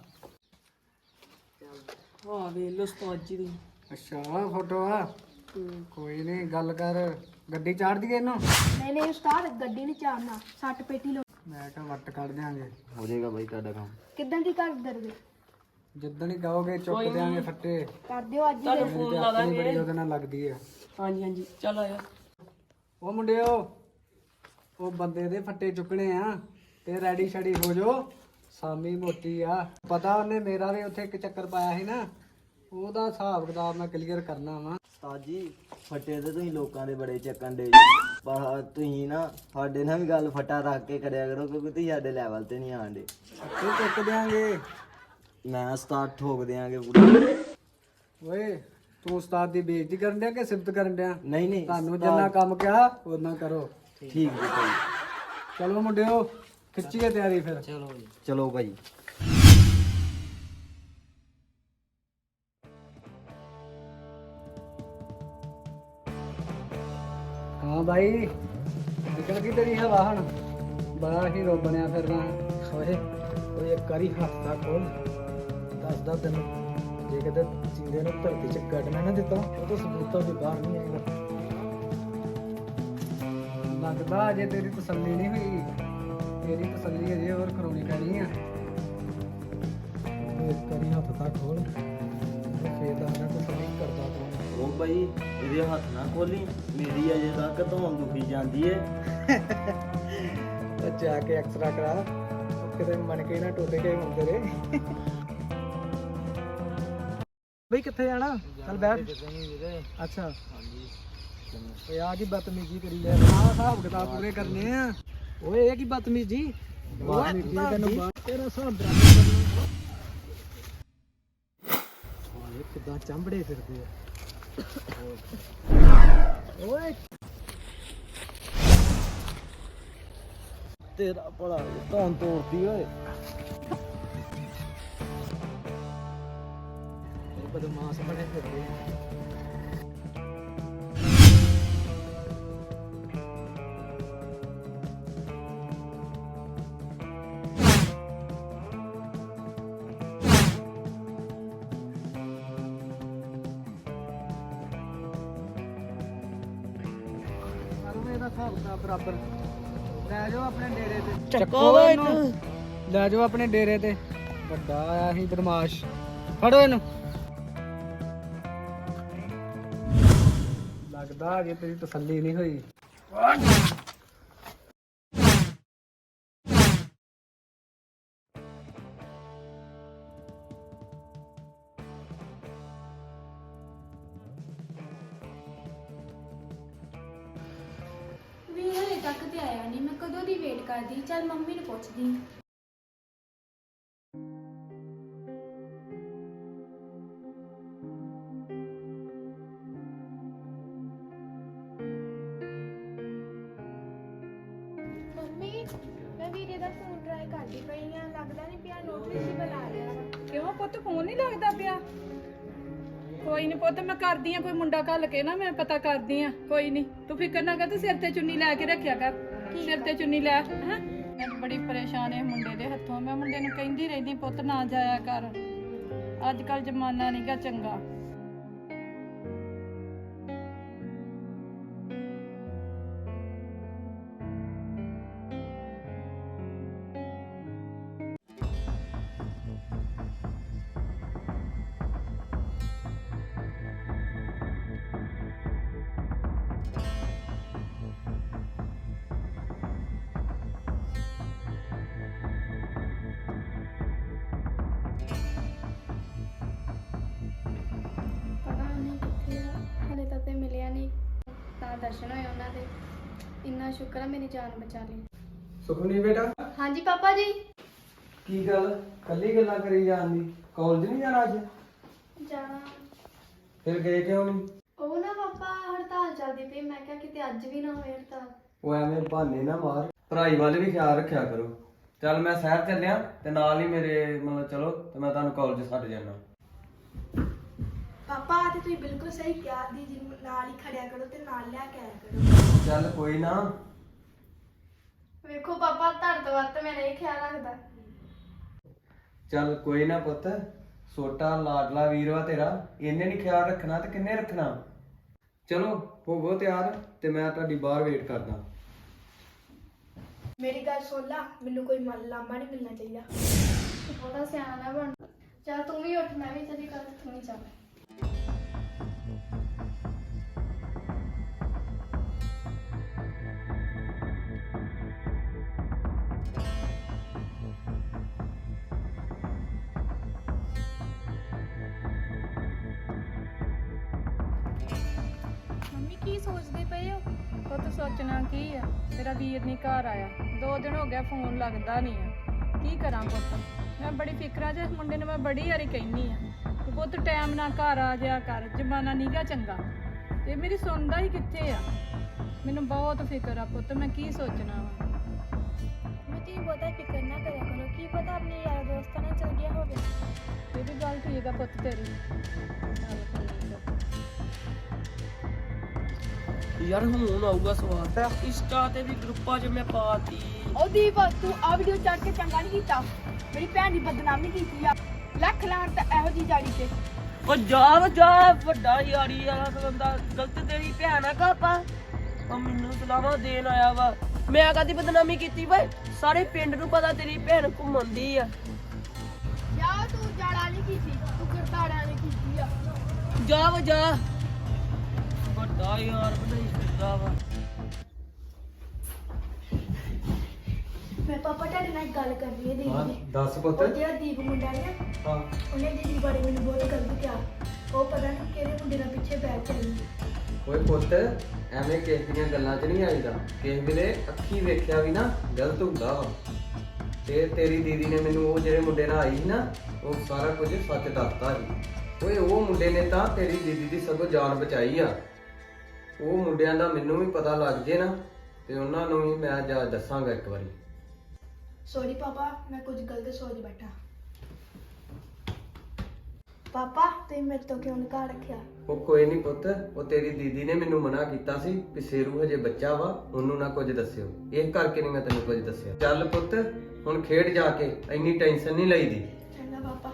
S6: ਹਾਂ ਵੇਖ ਲੋ ਸਤਾਜੀ ਦੀ।
S1: ਅੱਛਾ, ਆਹ ਫੋਟੋ ਆ। ਕੋਈ ਨਹੀਂ, ਗੱਲ ਕਰ। ਗੱਡੀ ਚਾੜ ਦਈਏ ਇਹਨੂੰ?
S3: ਨਹੀਂ ਨਹੀਂ ਉਸਤਾਦ, ਗੱਡੀ ਨਹੀਂ ਚਾੜਨਾ, ਸੱਟ ਪੇਟੀ ਲੋ।
S1: ਮੈਂ ਕਿਹਾ ਵੱਟ ਕੱਢ ਦਿਆਂਗੇ।
S4: ਹੋ ਜਾਏਗਾ ਬਾਈ ਤੁਹਾਡਾ ਕੰਮ।
S3: ਕਿੱਦਾਂ ਦੀ ਕਰ ਦਰਦੇ?
S1: ਜਿੱਦਣ ਹੀ ਕਹੋਗੇ ਚੁੱਕ ਦਿਆਂਗੇ ਫੱਟੇ।
S3: ਕਰ ਦਿਓ ਅੱਜ ਹੀ।
S6: ਤੁਹਾਨੂੰ ਫੋਨ ਲਾ
S1: ਆਪਣੀ
S6: ਦਾਂਗੇ।
S1: ਬੜੀ ਉਹਦੇ ਨਾਲ ਲੱਗਦੀ ਹੈ।
S6: ਹਾਂਜੀ ਹਾਂਜੀ, ਚੱਲ ਆਇਆ।
S1: ਉਹ ਮੁੰਡਿਓ, ਉਹ ਬੰਦੇ ਦੇ ਫੱਟੇ ਚੁੱਕਣੇ ਆ ਤੇ ਰੈਡੀ ਸ਼ੈਡੀ ਹੋ ਜਾਓ। ਸਾਮੀ ਮੋਟੀ ਆ, ਪਤਾ ਉਹਨੇ ਮੇਰਾ ਵੀ ਉੱਥੇ ਇੱਕ ਚੱਕਰ ਪਾਇਆ ਸੀ ਨਾ, ਉਹਦਾ ਹਿਸਾਬ ਕਿਤਾਬ ਮੈਂ ਕਲੀਅਰ ਕਰਨਾ ਵਾ।
S4: ਉਸਤਾਦ ਜੀ, ਫੱਟੇ ਤੇ ਤੁਸੀਂ ਲੋਕਾਂ ਦੇ ਬੜੇ ਚੱਕਣ ਦੇ, ਪਰ ਤੁਸੀਂ ਨਾ ਸਾਡੇ ਨਾਲ ਵੀ ਗੱਲ ਫੱਟਾ ਰੱਖ ਕੇ ਕਰਿਆ ਕਰੋ, ਕਿਉਂਕਿ ਤੁਸੀਂ ਸਾਡੇ ਲੈਵਲ ਤੇ ਨਹੀਂ ਆਂਦੇ।
S1: ਫੱਟੇ ਚੁੱਕ ਦਿਆਂਗੇ।
S4: ਮੈਂ ਉਸਤਾਦ ਠੋਕ ਦਿਆਂਗੇ ਪੂਰਾ।
S1: ਓਏ, ਤੂੰ ਉਸਤਾਦ ਦੀ ਬੇਇੱਜ਼ਤੀ ਕਰਨ ਡਿਆ ਕਿ ਸਿਫਤ ਕਰਨ ਡਿਆ?
S4: ਨਹੀਂ ਨਹੀਂ
S1: ਤੁਹਾਨੂੰ
S4: ਉਸਤਾਦ-
S1: ਜਿੰਨਾ ਕੰਮ ਕਿਹਾ ਉਹਨਾਂ ਕਰੋ।
S4: ਠੀਕ ਜੀ ਭਾਈ।
S1: ਚਲੋ ਮੁੰਡਿਓ ਖਿੱਚੀਏ ਤਿਆਰੀ ਫਿਰ।
S4: ਚਲੋ ਭਾਈ।
S1: ਹਾਂ ਬਾਈ ਨਿਕਲ ਗਈ ਤੇਰੀ ਹਵਾ ਹੁਣ, ਬੜਾ ਹੀਰੋ ਬਣਿਆ ਫਿਰਨਾ। ਓਏ ਓਏ ਇੱਕ ਵਾਰੀ ਹੱਥ ਦਾ ਖੋਲ, ਦੱਸਦਾ ਤੈਨੂੰ, ਜੇ ਕਿਤੇ ਜਿੰਦੇ ਨੂੰ ਧਰਤੀ 'ਚ ਕੱਢਣਾ ਨਾ ਦਿੱਤਾ ਉਹ ਤਾਂ ਸਬੂਤਾਂ ਵੀ ਬਾਹਰ ਨਹੀਂ ਆਏਗਾ। ਲੱਗਦਾ ਅਜੇ ਤੇਰੀ ਤਸੱਲੀ ਨਹੀਂ ਹੋਈ, ਤੇਰੀ ਤਸੱਲੀ ਅਜੇ ਹੋਰ ਕਰਾਉਣੀ ਪੈਣੀ ਆ। ਇੱਕ ਵਾਰੀ ਹੱਥ ਦਾ ਖੋਲ, ਫੇਰ ਲੱਗਦਾ ਤਸੱਲੀ ਕਰਦਾ ਤੂੰ।
S4: ਉਹ ਭਾਈ ਇਹਦੇ ਹੱਥ ਨਾ ਖੋਲੀ, ਮੇਰੀ ਅਜੇ ਤੱਕ ਧੌਣ ਦੁਖੀ ਜਾਂਦੀ ਏ।
S1: ਉਹ ਜਾ ਕੇ ਐਕਸਰਾ ਕਰਾ, ਉਹ ਕਿਤੇ ਮਣ ਕੇ ਨਾ ਟੁੱਟ ਗਏ ਹੁਣ ਤੇਰੇ। ਬਈ ਕਿੱਥੇ ਜਾਣਾ? ਚੱਲ ਬੈਠ। ਅੱਛਾ ਓਏ ਆ ਕੀ ਬਦਤਮੀਜੀ ਕਰੀ ਜਾ, ਆਹ ਹਿਸਾਬ ਕਿਤਾਬ ਪੂਰੇ ਕਰਨੇ ਆ। ਓਏ ਇਹ ਕੀ ਬਦਤਮੀਜੀ, ਬਦਤਮੀਜੀ ਤੈਨੂੰ ਤੇਰਾ ਹਿਸਾਬ ਬਰਾਬਰ ਕਰਨਾ। ਓਏ ਕਿੱਦਾਂ ਚੰਬੜੇ ਫਿਰਦੇ ਆ। ਓਏ
S4: ਤੇਰਾ ਭਲਾ ਧੌਣ ਤੋੜਦੀ ਓਏ।
S1: ਇਹ ਬਦਮਾਸ਼ ਬਣੇ ਫਿਰਦੇ ਆ। ਇਹਦਾ ਹਿਸਾਬ ਕਿਤਾਬ ਬਰਾਬਰ, ਲੈ ਜਾਓ ਆਪਣੇ ਡੇਰੇ ਤੇ।
S6: ਚੱਕੋ ਇਹਨੂੰ।
S1: ਲੈ ਜਾਓ ਆਪਣੇ ਡੇਰੇ ਤੇ, ਵੱਡਾ ਆਇਆ ਸੀ ਬਦਮਾਸ਼, ਫੜੋ ਇਹਨੂੰ। ਲੱਗਦਾ ਅਜੇ ਤੇਰੀ ਤਸੱਲੀ ਨਹੀਂ ਹੋਈ।
S3: ਵੀ ਹਲੇ ਤੱਕ ਤੇ ਆਇਆ ਨਹੀਂ, ਮੈਂ ਕਦੋਂ ਦੀ ਵੇਟ ਕਰਦੀ। ਚੱਲ ਮੰਮੀ ਨੂੰ ਪੁੱਛਦੀ। ਮੰਮੀ ਮੈਂ ਵੀਰੇ ਦਾ ਫੋਨ ਟਰਾਈ ਕਰਦੀ ਪਈ ਆ, ਲੱਗਦਾ ਨਹੀਂ ਪਿਆ, ਨੋਟ ਰਿਸੀਵਲ ਆ ਰਿਹਾ ਵਾ।
S2: ਕਿਉਂ ਪੁੱਤ ਫੋਨ ਨਹੀਂ ਲੱਗਦਾ ਪਿਆ? ਕੋਈ ਨਹੀਂ ਪੁੱਤ, ਮੈਂ ਕਰਦੀ ਆ ਕੋਈ ਮੁੰਡਾ ਘੱਲ ਕੇ ਨਾ, ਮੈਂ ਪਤਾ ਕਰਦੀ ਆ। ਕੋਈ ਨਹੀਂ ਤੂੰ ਫਿਕਰ ਨਾ ਕਰ, ਤੇ ਸਿਰ ਤੇ ਚੁੰਨੀ ਲੈ ਕੇ ਰੱਖਿਆ ਕਰ, ਸਿਰ ਤੇ ਚੁੰਨੀ ਲੈ। ਹੈਂ ਮੈਂ ਬੜੀ ਪਰੇਸ਼ਾਨ ਇਹ ਮੁੰਡੇ ਦੇ ਹੱਥੋਂ। ਮੈਂ ਮੁੰਡੇ ਨੂੰ ਕਹਿੰਦੀ ਰਹਿੰਦੀ ਪੁੱਤ ਨਾ ਜਾਇਆ ਕਰ, ਅੱਜ ਕੱਲ ਜ਼ਮਾਨਾ ਨਹੀਂਗਾ ਚੰਗਾ।
S3: ਪਤਾ ਨਹੀਂ ਕਿੱਥੇ ਆ, ਹਲੇ ਤੱਕ ਤੇ ਮਿਲਿਆ ਨਹੀਂ, ਤਾਂ ਦਰਸ਼ਨ ਹੋਏ ਉਹਨਾਂ ਦੇ। ਇੰਨਾ ਸ਼ੁਕਰ ਆ ਮੇਰੀ ਜਾਨ ਬਚਾ ਲਈ।
S1: ਸੁਖਨੀ ਬੇਟਾ,
S3: ਹਾਂਜੀ ਪਾਪਾ ਜੀ।
S1: ਕੀ ਗੱਲ ਕੱਲੀ ਗੱਲਾਂ ਕਰੀ ਜਾਂਦੀ? ਕਾਲਜ ਨਹੀਂ ਜਾਣਾ ਅੱਜ?
S3: ਜਾਣਾ।
S1: ਫਿਰ ਗਏ ਕਿਉਂ ਨਹੀਂ?
S3: ਉਹ ਨਾ ਪਾਪਾ ਹੜਤਾਲ ਚੱਲਦੀ ਪਈ, ਮੈਂ ਕਿਹਾ ਕਿਤੇ ਅੱਜ ਵੀ ਨਾ ਹੋਵੇ ਹੜਤਾਲ।
S1: ਉਹ ਐਵੇਂ ਬਹਾਨੇ ਨਾ ਮਾਰ, ਪੜ੍ਹਾਈ ਵੱਲ ਵੀ ਖਿਆਲ ਰੱਖਿਆ ਕਰੋ। ਚੱਲ ਮੈਂ ਸ਼ਹਿਰ ਚੱਲਿਆ ਤੇ ਨਾਲ ਹੀ ਮੇਰੇ ਮਤਲਬ ਚਲੋ ਤੇ ਮੈਂ ਤੁਹਾਨੂੰ ਕਾਲਜ ਛੱਡ ਜਾਣਾ।
S3: ਪਾਪਾ ਆ ਤੇ ਤੁਸੀਂ ਬਿਲਕੁਲ ਸਹੀ ਕਿਹਾ, ਦੀਦੀ ਨੂੰ ਨਾਲ ਹੀ ਖੜਿਆ ਕਰੋ ਤੇ ਨਾਲ ਲਿਆ ਕੇ ਆਇਆ ਕਰੋ।
S1: ਚੱਲ ਕੋਈ ਨਾ।
S3: ਵੇਖੋ ਪਾਪਾ ਤੁਹਾਡੇ ਤੋਂ ਵੱਧ ਮੇਰਾ ਇਹ ਖਿਆਲ ਰੱਖਦਾ।
S1: ਚੱਲ ਕੋਈ ਨਾ ਪੁੱਤ, ਛੋਟਾ ਲਾਡਲਾ ਵੀਰ ਵਾ ਤੇਰਾ, ਇਹਨੇ ਨਹੀਂ ਖਿਆਲ ਰੱਖਣਾ ਤੇ ਕਿੰਨੇ ਰੱਖਣਾ। ਚਲੋ ਹੋਵੋ ਤਿਆਰ ਤੇ ਮੈਂ ਤੁਹਾਡੀ ਬਾਹਰ ਵੇਟ ਕਰਦਾ।
S3: ਮੇਰੀ ਗੱਲ ਸੁਣ ਲਾ, ਮੈਨੂੰ ਕੋਈ ਲਾਂਭਾ ਨਹੀਂ ਮਿਲਣਾ ਚਾਹੀਦਾ। ਉਹਦਾ ਸਿਆਣਾ ਨਾ ਬਣ। ਚੱਲ ਤੂੰ ਵੀ ਉੱਠ, ਮੈਂ ਵੀ ਚੱਲੀ ਕਰ, ਤੂੰ ਵੀ ਚੱਲ।
S2: ਮੰਮੀ ਕੀ ਸੋਚਦੇ ਪਏ ਹੋ? ਪੁੱਤ ਸੋਚਣਾ ਕੀ ਆ, ਤੇਰਾ ਵੀਰ ਨਹੀਂ ਘਰ ਆਇਆ, 2 ਦਿਨ ਹੋ ਗਿਆ, ਫੋਨ ਲੱਗਦਾ ਨਹੀਂ ਆ। ਕੀ ਕਰਾਂ ਪੁੱਤ, ਮੈਂ ਬੜੀ ਫਿਕਰਾਂ 'ਚ। ਮੁੰਡੇ ਨੂੰ ਮੈਂ ਬੜੀ ਵਾਰੀ ਕਹਿੰਦੀ ਆ ਕਿ ਪੁੱਤ ਟਾਈਮ ਨਾਲ ਘਰ ਆ ਜਾਇਆ ਕਰ, ਜ਼ਮਾਨਾ ਨੀਗਾ ਚੰਗਾ। ਤੇ ਮੇਰੀ ਸੁਣਦਾ ਹੀ ਕਿੱਥੇ ਆ। ਮੈਨੂੰ ਬਹੁਤ ਫਿਕਰ ਆ ਪੁੱਤ, ਮੈਂ ਕੀ ਸੋਚਣਾ ਵਾ।
S3: ਤੁਸੀਂ ਬਹੁਤਾ ਫਿਕਰ ਨਾ ਕਰਿਆ ਕਰੋ, ਕੀ ਪਤਾ ਆਪਣੇ ਯਾਰ ਦੋਸਤਾਂ ਨਾਲ ਚਲ ਗਿਆ ਹੋਵੇ।
S2: ਇਹ ਵੀ ਗੱਲ ਠੀਕ ਆ ਪੁੱਤ ਤੇਰੀ। ਚੱਲ ਠੀਕ ਆ।
S6: ਯਾਰ ਹੁਣ ਆਊਗਾ ਸਵਾਦ। ਇੰਸਟਾ ਤੇ ਵੀ ਗਰੁੱਪਾਂ 'ਚ ਮੈਂ ਪਾਤੀ।
S7: ਉਹ ਦੀਪ ਤੂੰ ਆ ਵੀਡੀਓ ਚੜ ਕੇ ਚੰਗਾ ਨਹੀਂ ਕੀਤਾ, ਮੇਰੀ ਭੈਣ ਦੀ ਬਦਨਾਮੀ ਕੀਤੀ ਆ। ਲੱਖ ਲਾਣ ਤਾਂ ਇਹੋ ਜੀ ਜਾੜੀ ਤੇ।
S6: ਉਹ ਜਾ ਵੱਡਾ ਯਾਰੀ ਆ ਬੰਦਾ, ਗਲਤ ਤੇਰੀ ਭੈਣ ਆ ਕਾਪਾ। ਉਹ ਮੈਨੂੰ ਸਲਾਹਾਂ ਦੇਣ ਆਇਆ ਵਾ, ਮੈਂ ਕਦੀ ਬਦਨਾਮੀ ਕੀਤੀ ਵੇ? ਸਾਰੇ ਪਿੰਡ ਨੂੰ ਪਤਾ ਤੇਰੀ ਭੈਣ ਘੁੰਮਦੀ ਆ।
S7: ਜਾ ਤੂੰ ਜਾੜਾ ਨਹੀਂ ਕੀਤੀ, ਤੂੰ ਕਰਤਾੜਾ ਨਹੀਂ ਕੀਤੀ ਆ।
S6: ਜਾ ਵੱਡਾ ਯਾਰ ਬਣਾਈ ਫਿਰਦਾ ਵਾ।
S3: ਮੈਂ ਪਾਪਾ ਤੁਹਾਡੇ ਨਾਲ ਇੱਕ ਗੱਲ ਕਰਨੀ ਹੈ ਦੀਦੀ ਦੀ।
S1: ਦੱਸ ਪੁੱਤ।
S3: ਉਹ ਜਿਹੜਾ ਦੀਪ ਮੁੰਡਾ ਹੈ ਨਾ,
S1: ਹਾਂ
S3: ਉਹਨੇ ਦੀਦੀ ਬਾਰੇ ਮੈਨੂੰ ਬਹੁਤ ਗਲਤ ਕਿਹਾ। ਉਹ ਪਤਾ ਨਹੀਂ ਕਿਹੜੇ ਮੁੰਡੇ ਨਾਲ ਪਿੱਛੇ ਬੈਠ ਚੱਲੀ।
S8: ਓਏ ਪੁੱਤ, ਐਵੇਂ ਕਿਸੇ ਦੀਆਂ ਗੱਲਾਂ 'ਚ ਨਹੀਂ ਆਈਦਾ। ਕਿਸੇ ਵੇਲੇ ਅੱਖੀ ਵੇਖਿਆ ਵੀ ਨਾ ਗਲਤ ਹੁੰਦਾ ਵਾ। ਤੇ ਤੇਰੀ ਦੀਦੀ ਨੇ ਮੈਨੂੰ ਉਹ ਜਿਹੜੇ ਮੁੰਡੇ ਨਾਲ ਆਈ ਸੀ ਨਾ, ਉਹ ਸਾਰਾ ਕੁਝ ਸੱਚ ਦੱਸਤਾ ਸੀ। ਓਏ ਉਹ ਮੁੰਡੇ ਨੇ ਤਾਂ ਤੇਰੀ ਦੀਦੀ ਦੀ ਸਗੋਂ ਜਾਨ ਬਚਾਈ ਆ। ਉਹ ਮੁੰਡਿਆਂ ਦਾ ਮੈਨੂੰ ਵੀ ਪਤਾ ਲੱਗ ਜੇ ਨਾ, ਤੇ ਉਹਨਾਂ ਨੂੰ ਵੀ ਮੈਂ ਜਾ ਦੱਸਾਂਗਾ ਇੱਕ ਵਾਰੀ।
S3: ਸੌਰੀ ਪਾਪਾ, ਮੈਂ ਕੁਝ ਗਲਤ ਸੋਚ ਬੈਠਾ। ਪਾਪਾ ਤੁਸੀਂ ਮੇਰੇ ਤੋਂ ਕਿਉਂ ਨਿਕਾਲ ਰੱਖਿਆ?
S8: ਉਹ ਕੋਈ ਨਹੀਂ ਪੁੱਤ, ਉਹ ਤੇਰੀ ਦੀਦੀ ਨੇ ਮੈਨੂੰ ਮਨਾ ਕੀਤਾ ਸੀ ਕਿ ਸ਼ੇਰੂ ਹਜੇ ਬੱਚਾ ਵਾ, ਉਹਨੂੰ ਨਾ ਕੁਝ ਦੱਸਿਓ। ਇਹ ਕਰਕੇ ਨਹੀਂ ਮੈਂ ਤੈਨੂੰ ਕੁਝ ਦੱਸਿਆ। ਚੱਲ ਪੁੱਤ ਹੁਣ ਖੇਡ ਜਾ ਕੇ, ਇੰਨੀ ਟੈਨਸ਼ਨ ਨਹੀਂ ਲਈਦੀ।
S3: ਚੰਗਾ ਪਾਪਾ।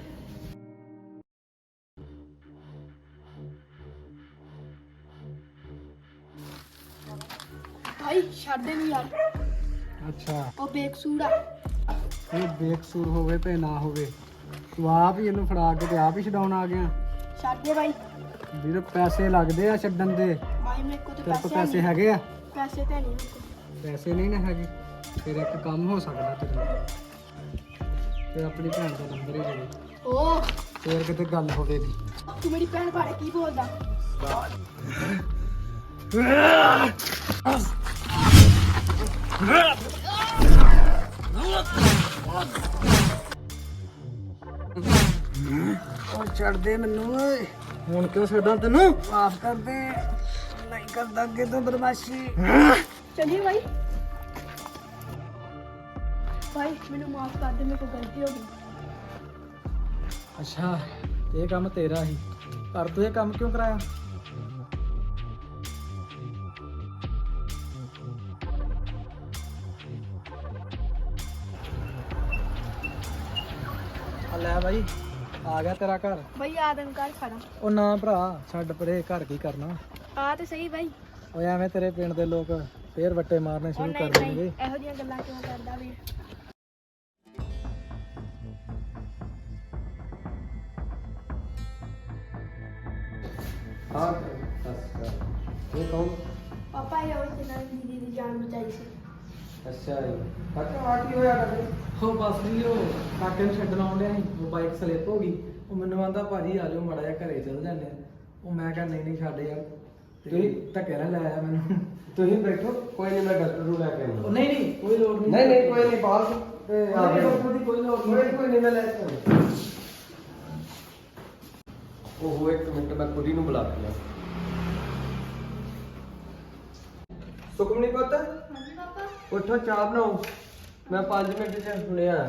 S7: ਭਾਈ ਛੱਡ ਦੇ ਨੀ ਯਾਰ,
S1: ਅੱਛਾ,
S7: ਉਹ ਬੇਕਸੂਰ ਆ।
S1: ਇਹ ਬੇਕਸੂਰ ਹੋਵੇ ਤੇ ਨਾ ਹੋਵੇ, ਤੂੰ ਆਪ ਹੀ ਇਹਨੂੰ ਫੜਾ ਕੇ ਤੇ ਆਪ ਹੀ ਛਡਾਉਣ ਆ ਗਿਆ।
S7: ਛੱਡ ਦੇ ਭਾਈ।
S1: ਵੀਰ ਪੈਸੇ ਲੱਗਦੇ ਆ ਛੱਡਣ ਦੇ।
S7: ਭਾਈ ਮੇਰੇ ਕੋਲ
S1: ਤੇਰੇ
S7: ਤਾਂ
S1: ਕੋਲ
S7: ਪੈਸੇ
S1: ਪੈਸੇ
S7: ਨਹੀਂ,
S1: ਹੈਗੇ ਆ?
S7: ਪੈਸੇ ਤਾਂ ਨਹੀਂ ਮੇਰੇ ਕੋਲ।
S1: ਪੈਸੇ ਨਹੀਂ ਨਾ ਹੈਗੇ, ਫਿਰ ਇੱਕ ਕੰਮ ਹੋ ਸਕਦਾ ਤੇਰੇ ਨਾਲ। ਫਿਰ ਆਪਣੀ ਭੈਣ ਦਾ ਨੰਬਰ ਹੀ ਦੇ ਦੇ,
S7: ਓ
S1: ਫਿਰ ਕਿਤੇ ਗੱਲ ਹੋਵੇਗੀ।
S7: ਤੂੰ ਮੇਰੀ ਭੈਣ ਬਾਰੇ ਕੀ ਬੋਲਦਾ?
S1: ਉਹ ਛੱਡ ਦੇ ਮੈਨੂੰ ਓਏ। ਹੁਣ ਕਿਉਂ ਛੱਡਾਂ ਤੈਨੂੰ? ਮਾਫ ਕਰ ਦੇ, ਨਹੀਂ ਕਰਦਾ ਅੱਗੇ ਤੋਂ ਬਦਮਾਸ਼ੀ।
S7: ਚਲਿਏ ਭਾਈ। ਭਾਈ ਮੈਨੂੰ ਮਾਫ ਕਰ ਦੇ, ਮੇਰੇ ਕੋਲ ਗਲਤੀ ਹੋ ਗਈ।
S1: ਅੱਛਾ, ਇਹ ਕੰਮ ਤੇਰਾ ਹੀ, ਪਰ ਤੂੰ ਇਹ ਕੰਮ ਕਿਉਂ ਕਰਾਇਆ? ਆ ਲੈ ਬਾਈ, ਆ ਗਿਆ ਤੇਰਾ ਘਰ।
S7: ਭਾਈ ਆਦਮ ਘਰ ਖੜਾ।
S1: ਉਹ ਨਾ ਭਰਾ, ਛੱਡ ਪਰੇ, ਘਰ ਕੀ ਕਰਨਾ।
S7: ਆ ਤੇ ਸਹੀ ਭਾਈ।
S1: ਓਏ ਐਵੇਂ ਤੇਰੇ ਪਿੰਡ ਦੇ ਲੋਕ ਫੇਰ ਵੱਟੇ ਮਾਰਨੇ
S7: ਉਹ
S1: ਸ਼ੁਰੂ
S7: ਨਹੀਂ
S1: ਕਰ
S7: ਨਹੀਂ,
S1: ਦੇਣਗੇ।
S7: ਇਹੋ ਜਿਹੀਆਂ ਗੱਲਾਂ ਕਿਉਂ ਕਰਦਾ ਵੀ?
S8: ਹਾਂ ਅੱਛਾ, ਇਹ ਕੌਣ?
S3: ਪਾਪਾ ਇਹ ਉਹ ਜਿਹਨਾਂ ਨੇ ਦੀਦੀ ਦੀ ਜਾਨ ਬਚਾਈ ਸੀ।
S8: ਅੱਛਾ ਜੀ, ਕਾਕਾ ਆ ਕੀ ਹੋਇਆ ਕਰਦੇ?
S1: ਉਹ ਬਸ ਵੀ ਉਹ ਕਾਕੇ ਨੂੰ ਛੱਡਣ ਆਉਣ ਡਿਆ ਸੀ, ਉਹ ਬਾਈਕ ਸਲਿੱਪ ਹੋ ਗਈ। ਉਹ ਮੈਨੂੰ ਆਂਦਾ ਭਾਜੀ ਆ ਜਾਓ ਮਾੜਾ ਜਿਹਾ ਘਰੇ ਚਲ ਜਾਂਦੇ ਆ। ਉਹ ਮੈਂ ਕਿਹਾ ਨਹੀਂ ਛੱਡ ਯਾਰ, ਤੁਸੀਂ ਧੱਕੇ ਨਾਲ ਲੈ ਆਇਆ ਮੈਨੂੰ।
S8: ਤੁਸੀਂ ਬੈਠੋ, ਕੋਈ ਨਹੀਂ, ਮੈਂ ਡਾਕਟਰ ਨੂੰ ਲੈ ਕੇ ਆਉਂਦਾ।
S1: ਉਹ ਨਹੀਂ ਕੋਈ ਲੋੜ ਨਹੀਂ।
S8: ਨਹੀਂ ਕੋਈ ਨਹੀਂ, ਬਾਹਰ ਤੇ ਆ
S1: ਨਹੀਂ,
S8: ਗਿਆ।
S1: ਡਾਕਟਰ ਦੀ ਕੋਈ ਲੋੜ ਨਹੀਂ।
S8: ਕੋਈ ਨਹੀਂ, ਮੈਂ ਲੈ ਕੇ ਆਉਂਦਾ। ਉਹ ਇੱਕ ਮਿੰਟ, ਮੈਂ ਕੁੜੀ ਨੂੰ ਬੁਲਾ ਲਿਆ। ਸੁਖਮਨੀ ਪੁੱਤ,
S3: ਹਾਂਜੀ ਪਾਪਾ।
S8: ਉੱਠੋ ਚਾਹ ਬਣਾਓ, ਮੈਂ 5 ਮਿੰਟ ਚ ਹੁਣੇ ਆਇਆ।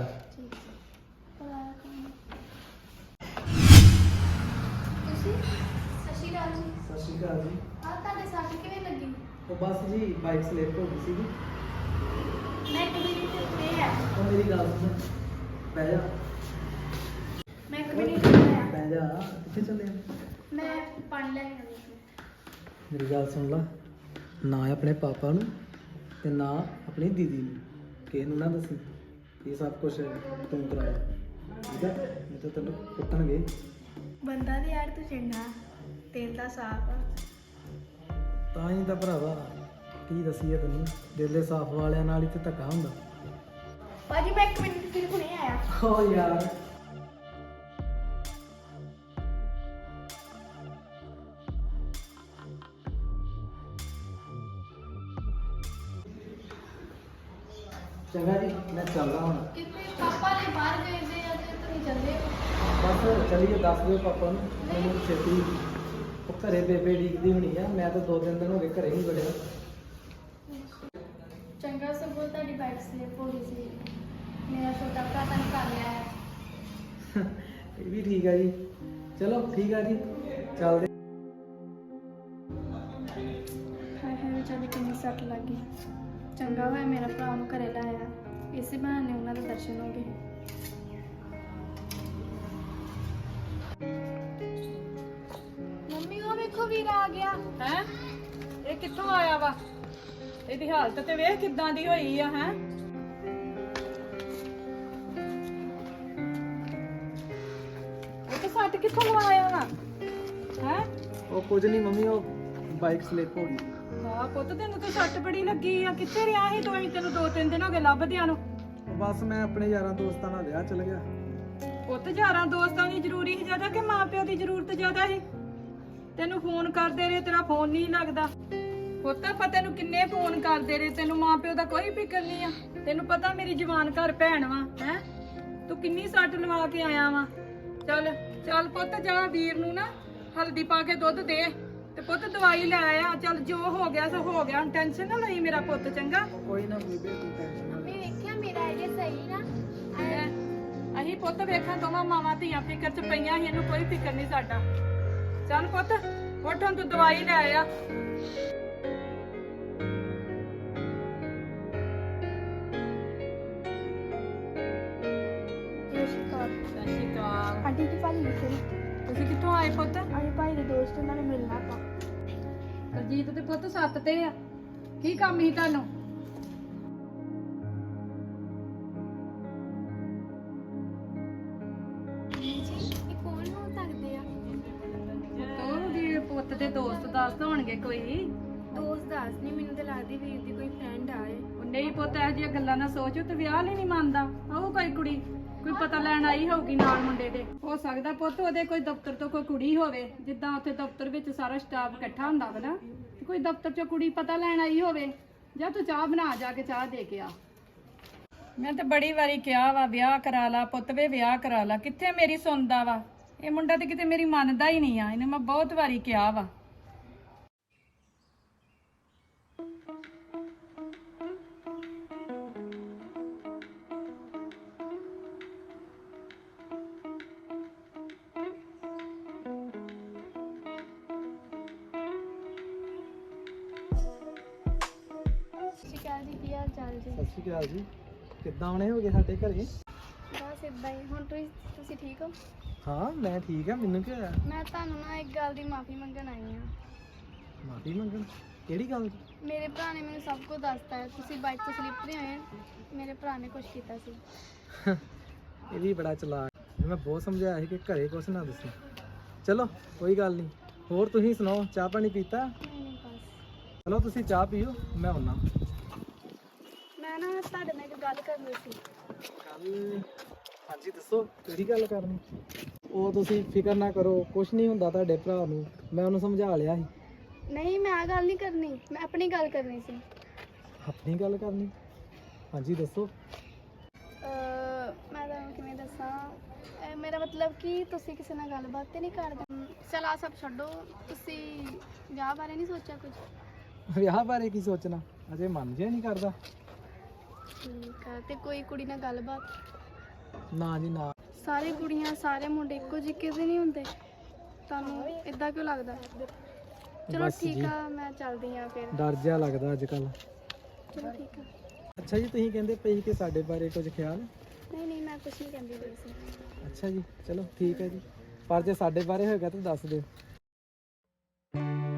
S3: ਤੁਸੀਂ ਸਤਿ ਸ਼੍ਰੀ ਅਕਾਲ ਜੀ।
S1: ਸਤਿ ਸ਼੍ਰੀ ਅਕਾਲ ਜੀ।
S3: ਆ ਤੁਹਾਡੇ ਸੱਟ ਕਿਵੇਂ ਲੱਗੀ?
S1: ਉਹ ਬਸ ਜੀ ਬਾਈਕ ਸਲਿੱਪ ਹੋ ਗਈ ਸੀਗੀ।
S3: ਮੈਂ ਕਦੇ ਨਹੀਂ ਤੇ ਆ।
S1: ਉਹ ਮੇਰੀ ਗੱਲ ਸੁਣ, ਬਹਿ ਜਾ
S3: ਮੈਂ ਕਦੇ ਨਹੀਂ ਤੇ ਆ।
S1: ਬਹਿ ਜਾ, ਕਿੱਥੇ ਚੱਲੇ ਆ?
S3: ਮੈਂ ਪਾਣੀ ਲੈ ਕੇ ਆਉਂਦੀ ਸੀ।
S1: ਮੇਰੀ ਗੱਲ ਸੁਣ ਲਾ, ਨਾ ਆਪਣੇ ਪਾਪਾ ਨੂੰ ਤੇ ਨਾ ਆਪਣੀ ਦੀਦੀ ਨੂੰ ਕਿਸੇ ਨੂੰ ਨਾ ਦੱਸੀ ਇਹ ਸਭ ਕੁਝ ਤੂੰ ਕਰਾਇਆ, ਠੀਕ ਹੈ? ਨਹੀਂ ਤਾਂ ਤੈਨੂੰ ਕੁੱਟਣਗੇ।
S3: ਬੰਦਾ ਤੇ ਯਾਰ ਤੂੰ ਚੰਗਾ, ਤੇਲ ਦਾ ਸਾਫ ਆ।
S1: ਤਾਂ ਹੀ ਤਾਂ ਭਰਾਵਾ ਕੀ ਦਸੀਏ ਤੈਨੂੰ, ਦਿਲ ਦੇ ਸਾਫ ਵਾਲਿਆਂ ਨਾਲ ਹੀ ਤੇ ਧੱਕਾ ਹੁੰਦਾ।
S3: ਭਾਜੀ ਮੈਂ 1 ਮਿੰਟ ਤੇਰੇ ਕੋਲ ਆਇਆ।
S1: ਓ ਯਾਰ ਚੰਗਾ ਜੀ, ਮੈਂ ਚੱਲਦਾ ਹੁਣ।
S3: ਕਿਤੇ ਪਾਪਾ ਨੇ ਬਾਹਰ ਗਏ ਦੇ ਆ ਤੇ ਤੁਸੀਂ ਚੱਲੇ ਹੋ?
S1: ਬਸ ਚਲੀਏ, ਦੱਸ ਦਿਓ ਪਾਪਾ ਨੂੰ ਮੈਨੂੰ ਛੇਤੀ। ਉਹ ਘਰੇ ਬੇਬੇ ਡੀਕਦੀ ਹੋਣੀ ਆ, ਮੈਂ ਤਾਂ 2-3 ਦਿਨ ਹੋ ਗਏ ਘਰੇ ਨਹੀਂ ਵੜਿਆ।
S3: ਚੰਗਾ ਸਗੋਂ ਤੁਹਾਡੀ ਬਾਈਕ ਸਲਿਪ ਹੋ ਗਈ ਸੀ। ਮੇਰਾ ਛੋਟਾ ਭਰਾ ਤਾਂ ਕਰ ਲਿਆ ਹੈ।
S1: ਇਹ ਵੀ ਠੀਕ ਆ ਜੀ। ਚਲੋ ਠੀਕ ਆ ਜੀ, ਚੱਲਦੇ।
S3: ਹਾਏ ਹਾਏ ਵਿਚਾਰੀ ਕਿੰਨੀ ਸੱਟ ਲੱਗ ਗਈ। ਚੰਗਾ ਹੋਇਆ ਮੇਰਾ ਭਰਾ ਨੂੰ ਘਰੇ ਲਾਇਆ, ਇਸੇ ਬਹਾਨੇ ਉਹਨਾਂ ਦੇ ਦਰਸ਼ਨ ਹੋ ਗਏ। ਮੰਮੀ ਉਹ ਵੇਖੋ ਵੀਰ ਆ ਗਿਆ।
S2: ਹੈ ਇਹ ਕਿੱਥੋਂ ਆਇਆ ਵਾ? ਇਹਦੀ ਹਾਲਤ ਤੇ ਵੇਖ ਕਿੱਦਾਂ ਦੀ ਹੋਈ ਆ। ਹੈ ਉਹ ਤੇ ਸੱਟ ਕਿੱਥੋਂ ਲਵਾਇਆ ਵਾ? ਹੈ
S1: ਉਹ ਕੁਝ ਨਹੀਂ ਮੰਮੀ, ਉਹ ਬਾਈਕ ਸਲਿਪ ਹੋ ਗਈ।
S2: ਹਾਂ ਪੁੱਤ ਤੈਨੂੰ ਤਾਂ ਸੱਟ ਬੜੀ ਲੱਗੀ ਆ। ਕਿੱਥੇ ਰਿਹਾ ਸੀ ਤੂੰ? ਅਸੀਂ ਤੈਨੂੰ 2-3 ਦਿਨ ਹੋ ਗਏ ਲੱਭਦਿਆਂ ਨੂੰ।
S1: ਬਸ ਮੈਂ ਆਪਣੇ ਯਾਰਾਂ ਦੋਸਤਾਂ ਨਾਲ ਵਿਆਹ ਚਲ ਗਿਆ।
S2: ਪੁੱਤ ਯਾਰਾਂ ਦੋਸਤਾਂ ਦੀ ਜ਼ਰੂਰੀ ਸੀ ਜ਼ਿਆਦਾ ਕਿ ਮਾਪਿਓ ਦੀ ਜ਼ਰੂਰਤ ਜ਼ਿਆਦਾ ਸੀ? ਤੈਨੂੰ ਫੋਨ ਕਰਦੇ ਰਹੇ, ਤੇਰਾ ਫੋਨ ਨਹੀਂ ਲੱਗਦਾ। ਪੁੱਤ ਆਪਾਂ ਤੈਨੂੰ ਕਿੰਨੇ ਫੋਨ ਕਰਦੇ ਰਹੇ, ਤੈਨੂੰ ਮਾਪਿਓ ਦਾ ਕੋਈ ਫਿਕਰ ਨਹੀਂ ਆ। ਤੈਨੂੰ ਪਤਾ ਮੇਰੀ ਜਵਾਨ ਘਰ ਭੈਣ ਵਾ। ਹੈ ਤੂੰ ਕਿੰਨੀ ਸੱਟ ਲਵਾ ਕੇ ਆਇਆ ਵਾ। ਚੱਲ ਚੱਲ ਪੁੱਤ ਜਾ, ਵੀਰ ਨੂੰ ਨਾ ਹਲਦੀ ਪਾ ਕੇ ਦੁੱਧ ਦੇ ਤੇ ਪੁੱਤ ਦਵਾਈ ਲੈ ਆ। ਚੱਲ ਜੋ ਹੋ ਗਿਆ ਸੋ ਹੋ ਗਿਆ, ਹੁਣ ਟੈਨਸ਼ਨ ਨਾ ਲਈ ਮੇਰਾ ਪੁੱਤ, ਚੰਗਾ?
S1: ਕੋਈ ਨਾ ਬੀਬੀ, ਤੂੰ ਟੈਨਸ਼ਨ ਨਾ
S3: ਮੰਮੀ ਵੇਖਿਆ ਮੇਰਾ ਆਈਡੀਆ ਸਹੀ ਨਾ?
S2: ਅਸੀਂ ਪੁੱਤ ਵੇਖਾਂ ਦੋਵਾਂ ਮਾਵਾਂ ਧੀਆਂ ਫਿਕਰ ਚ ਪਈਆਂ ਸੀ, ਇਹਨੂੰ ਕੋਈ ਫਿਕਰ ਨਹੀਂ ਸਾਡਾ। ਚੱਲ ਪੁੱਤ ਉੱਠ, ਹੁਣ ਤੂੰ ਦਵਾਈ ਲੈ ਆ।
S3: ਸਤਿ ਸ਼੍ਰੀ ਅਕਾਲ।
S2: ਸਤਿ ਸ਼੍ਰੀ ਅਕਾਲ।
S3: ਆਂਟੀ ਜੀ ਭਾਜੀ ਲਿਖੇ ਨੇ।
S2: ਤੁਸੀਂ ਕਿੱਥੋਂ ਆਏ ਪੁੱਤ?
S3: ਆਏ ਭਾਈ ਦੇ ਦੋਸਤ, ਉਹਨਾਂ ਨੇ ਮਿਲਣਾ ਆਪਾਂ।
S2: ਅਜੀਤ ਦੇ ਪੁੱਤ ਸੱਤ ਤੇ ਆ। ਕੀ ਕੰਮ ਸੀ ਤੁਹਾਨੂੰ?
S3: ਜੀ ਇਹ ਕੌਣ ਹੋ ਸਕਦੇ ਆ?
S2: ਤੂੰ ਦੀ ਪੁੱਤ ਦੇ ਦੋਸਤ ਦੱਸ ਹੋਣਗੇ ਕੋਈ।
S3: ਦੋਸਤ ਦੱਸ ਨਹੀਂ, ਮੈਨੂੰ ਤਾਂ ਲੱਗਦੀ ਵੀਰ ਦੀ ਕੋਈ ਫਰੈਂਡ ਆਏ।
S2: ਉਹ ਨਹੀਂ ਪੁੱਤ, ਇਹੋ ਜਿਹੀਆਂ ਗੱਲਾਂ ਨਾ ਸੋਚ। ਤੇ ਵਿਆਹ ਲਈ ਨਹੀਂ ਮੰਨਦਾ। ਉਹ ਕੋਈ ਕੁੜੀ ਕੋਈ ਪਤਾ ਲੈਣ ਆਈ ਹੋਊਗੀ ਨਾਲ ਮੁੰਡੇ ਦੇ। ਹੋ ਸਕਦਾ ਪੁੱਤ ਉਹਦੇ ਕੋਈ ਦਫ਼ਤਰ ਤੋਂ ਕੋਈ ਕੁੜੀ ਹੋਵੇ, ਜਿੱਦਾਂ ਉੱਥੇ ਦਫ਼ਤਰ ਵਿੱਚ ਸਾਰਾ ਸਟਾਫ ਇਕੱਠਾ ਹੁੰਦਾ ਵਾ ਨਾ, ਤੇ ਕੋਈ ਦਫ਼ਤਰ 'ਚੋਂ ਕੁੜੀ ਪਤਾ ਲੈਣ ਆਈ ਹੋਵੇ। ਜਾਂ ਤੂੰ ਚਾਹ ਬਣਾ, ਜਾ ਕੇ ਚਾਹ ਦੇ ਕੇ ਆ। ਮੈਂ ਤਾਂ ਬੜੀ ਵਾਰੀ ਕਿਹਾ ਵਾ ਵਿਆਹ ਕਰਾ ਲਾ ਪੁੱਤ ਵੇ, ਵਿਆਹ ਕਰਾ ਲਾ। ਕਿੱਥੇ ਮੇਰੀ ਸੁਣਦਾ ਵਾ ਇਹ ਮੁੰਡਾ? ਤੇ ਕਿਤੇ ਮੇਰੀ ਮੰਨਦਾ ਹੀ ਨਹੀਂ ਆ। ਇਹਨੇ ਮੈਂ ਬਹੁਤ ਵਾਰੀ ਕਿਹਾ ਵਾ।
S3: ਸ਼ਿਕਾਰ ਜੀ ਕੀ ਹਾਲ ਚਾਲ ਜੀ?
S1: ਸਤਿ ਸ਼੍ਰੀ ਅਕਾਲ ਜੀ। ਕਿੱਦਾਂ ਆਉਣੇ ਹੋਗੇ ਸਾਡੇ ਘਰੇ?
S3: ਬਸ ਇਦਾਂ ਹੀ। ਹੁਣ ਤੁਸੀਂ ਠੀਕ ਹੋ?
S1: ਹਾਂ ਮੈਂ ਠੀਕ ਆ। ਮੈਨੂੰ ਕੀ ਹੋਇਆ?
S3: ਮੈਂ ਤੁਹਾਨੂੰ ਨਾ ਇੱਕ ਗੱਲ ਦੀ ਮਾਫੀ ਮੰਗਣ ਆਈ ਹਾਂ।
S1: ਮਾਫੀ ਮੰਗਣ? ਕਿਹੜੀ ਗੱਲ ਦੀ?
S3: ਮੇਰੇ ਭਰਾ ਨੇ ਮੈਨੂੰ ਸਭ ਕੁਝ ਦੱਸਤਾ ਹੈ। ਤੁਸੀਂ ਬਾਈਕ ਤੋਂ ਸਲਿੱਪ ਨਹੀਂ ਹੋਏ, ਮੇਰੇ ਭਰਾ ਨੇ ਕੁਝ ਕੀਤਾ ਸੀ।
S1: ਇਹ ਵੀ ਬੜਾ ਚਲਾਕ। ਮੈਂ ਬਹੁਤ ਸਮਝਾਇਆ ਸੀ ਕਿ ਘਰੇ ਕੁਛ ਨਾ ਦੱਸੀ। ਚਲੋ ਕੋਈ ਗੱਲ ਨਹੀਂ। ਹੋਰ ਤੁਸੀਂ ਸੁਣਾਓ, ਚਾਹ ਪਾਣੀ ਪੀਤਾ?
S3: ਨਹੀਂ ਬਸ।
S1: ਚਲੋ ਤੁਸੀਂ ਚਾਹ ਪੀਓ, ਮੈਂ ਆਉਣਾ।
S3: ਮੈਂ ਨਾ ਤੁਹਾਡੇ ਨਾਲ ਇੱਕ ਗੱਲ ਕਰਨੀ ਸੀ।
S1: ਗੱਲ? ਹਾਂਜੀ ਦੱਸੋ, ਕਿਹੜੀ ਗੱਲ ਕਰਨੀ? ਉਹ ਤੁਸੀਂ ਫਿਕਰ ਨਾ ਕਰੋ, ਕੁਛ ਨਹੀਂ ਹੁੰਦਾ ਤੁਹਾਡੇ ਭਰਾ ਨੂੰ। ਮੈਂ ਉਹਨੂੰ ਸਮਝਾ ਲਿਆ ਸੀ।
S3: ਨਹੀਂ ਮੈਂ ਆ ਗੱਲ ਨਹੀਂ ਕਰਨੀ, ਮੈਂ ਆਪਣੀ ਗੱਲ ਕਰਨੀ ਸੀ।
S1: ਆਪਣੀ ਗੱਲ ਕਰਨੀ? ਹਾਂਜੀ ਦੱਸੋ।
S3: ਮੈਂ ਤੁਹਾਨੂੰ ਕਿਵੇਂ ਦੱਸਾਂ, ਮੇਰਾ ਮਤਲਬ ਕਿ ਤੁਸੀਂ ਕਿਸੇ ਨਾਲ ਗੱਲਬਾਤ ਤੇ ਨਹੀਂ ਕਰਦੇ। ਚਲ ਆ ਸਭ ਛੱਡੋ, ਤੁਸੀਂ ਵਿਆਹ ਬਾਰੇ ਨਹੀਂ ਸੋਚਿਆ ਕੁਝ?
S1: ਵਿਆਹ ਬਾਰੇ ਕੀ ਸੋਚਣਾ, ਅਜੇ ਮਨ ਜਿਹਾ ਨਹੀਂ ਕਰਦਾ।
S3: ਠੀਕ ਆ, ਤੇ ਕੋਈ ਕੁੜੀ ਨਾਲ ਗੱਲਬਾਤ?
S1: ਨਾ ਜੀ ਨਾ।
S3: ਸਾਰੇ ਕੁੜੀਆਂ ਸਾਰੇ ਮੁੰਡੇ ਇੱਕੋ ਜਿਹੇ ਕਿਵੇਂ ਨਹੀਂ ਹੁੰਦੇ? ਤੁਹਾਨੂੰ ਇਦਾਂ ਕਿਉਂ ਲੱਗਦਾ? ਚਲੋ
S1: ਬਸ
S3: ਠੀਕ
S1: ਜੀ।
S3: ਆ, ਮੈਂ ਚੱਲਦੀ ਆ ਫਿਰ।
S1: ਡਰ ਜਿਹਾ ਲੱਗਦਾ ਅੱਜ ਕੱਲ।
S3: ਚਲੋ ਠੀਕ ਆ।
S1: ਅੱਛਾ ਜੀ, ਤੁਸੀਂ ਕਹਿੰਦੇ ਪਏ ਸੀ ਕਿ ਸਾਡੇ ਬਾਰੇ ਕੁਝ ਖਿਆਲ?
S3: ਨਹੀਂ ਨਹੀਂ ਮੈਂ ਕੁਝ ਨਹੀਂ ਕਹਿੰਦੀ ਪਈ ਸੀ।
S1: ਅੱਛਾ ਜੀ, ਚਲੋ ਠੀਕ ਹੈ ਜੀ। ਪਰ ਜੇ ਸਾਡੇ ਬਾਰੇ ਹੋਏਗਾ ਤਾਂ ਦੱਸ ਦਿਓ।